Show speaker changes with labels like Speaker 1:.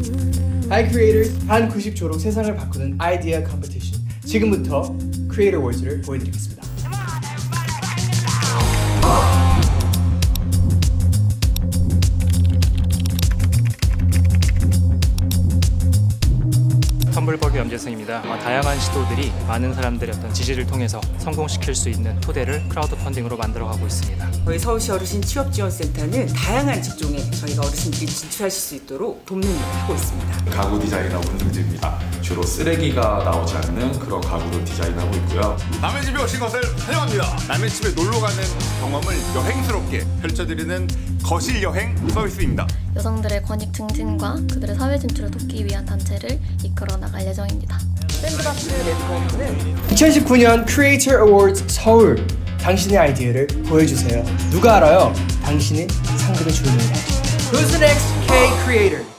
Speaker 1: Hi Creators! 반 90 조로 세상을 바꾸는 아이디어 컴피티션. 지금부터 크리에이터 월즈를 보여드리겠습니다.
Speaker 2: 텀블버그 염재승입니다. 다양한 시도들이 많은 사람들의 어떤 지지를 통해서 성공시킬 수 있는 토대를 크라우드 펀딩으로 만들어가고 있습니다.
Speaker 3: 저희 서울시 어르신 취업지원센터는 다양한 직종에 저희가 어르신들이 진출하실 수 있도록 돕는 일을 하고 있습니다.
Speaker 4: 가구 디자인하고 운동지입니다. 주로 쓰레기가 나오지 않는 그런 가구를 디자인하고 있고요.
Speaker 5: 남의 집에 오신 것을 환영합니다. 남의 집에 놀러가는 경험을 여행스럽게 펼쳐드리는 거실 여행 서비스입니다.
Speaker 6: 여성들의 권익 증진과 그들의 사회 진출을 돕기 위한 단체를 이끌어 나갈 예정입니다.
Speaker 3: 샌드박스 네트워크는
Speaker 1: 2019년 Creator Awards 서울. 당신의 아이디어를 보여주세요. 누가 알아요? 당신이 상금을 주는 거예요. Who's the next K Creator?